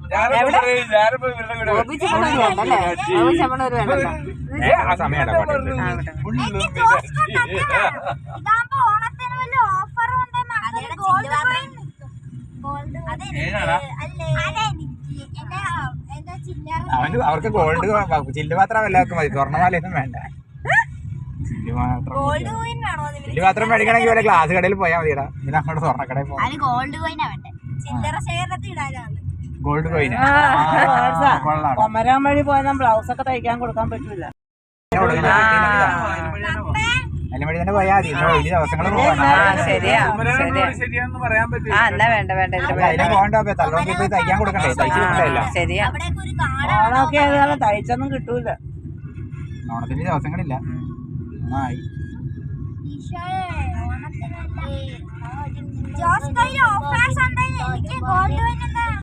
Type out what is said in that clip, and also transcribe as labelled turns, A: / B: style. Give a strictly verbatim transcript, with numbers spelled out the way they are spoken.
A: ആ സമയം അവന് അവർക്ക് ഗോൾഡ് ചില്ല് മാത്രം എല്ലാവർക്കും മതി, സ്വർണ്ണമാലയൊന്നും വേണ്ട. ചില്ല് മാത്രം ചില്ല് മാത്രം മേടിക്കണമെങ്കിൽ വല്ല ഗ്ലാസ് കടയിൽ പോയാൽ മതിടാ. പിന്നെ അങ്ങോട്ട് സ്വർണ്ണക്കടയിൽ പോകാം. ഗോൾഡ് കോയിൻ
B: കൊമരാൻ വഴി പോയാൽ ബ്ലൗസ് ഒക്കെ തയ്ക്കാൻ കൊടുക്കാൻ പറ്റൂല.
A: അതിനുവേണ്ടി തന്നെ പോയാൽ മതി. വലിയ ദിവസങ്ങൾ പോകണ്ടോ തലോണ്ടി പോയി തയ്ക്കാൻ കൊടുക്കണ്ടേ? തയ്ച്ചു കൊടുക്കണ്ടല്ല.
B: ശരിയാ, ഓണമൊക്കെ ഏതായാലും തയ്ച്ചൊന്നും കിട്ടൂല.
A: ഓണത്തിന്റെ ദിവസങ്ങളില്ല. ആയി
C: ജോസ്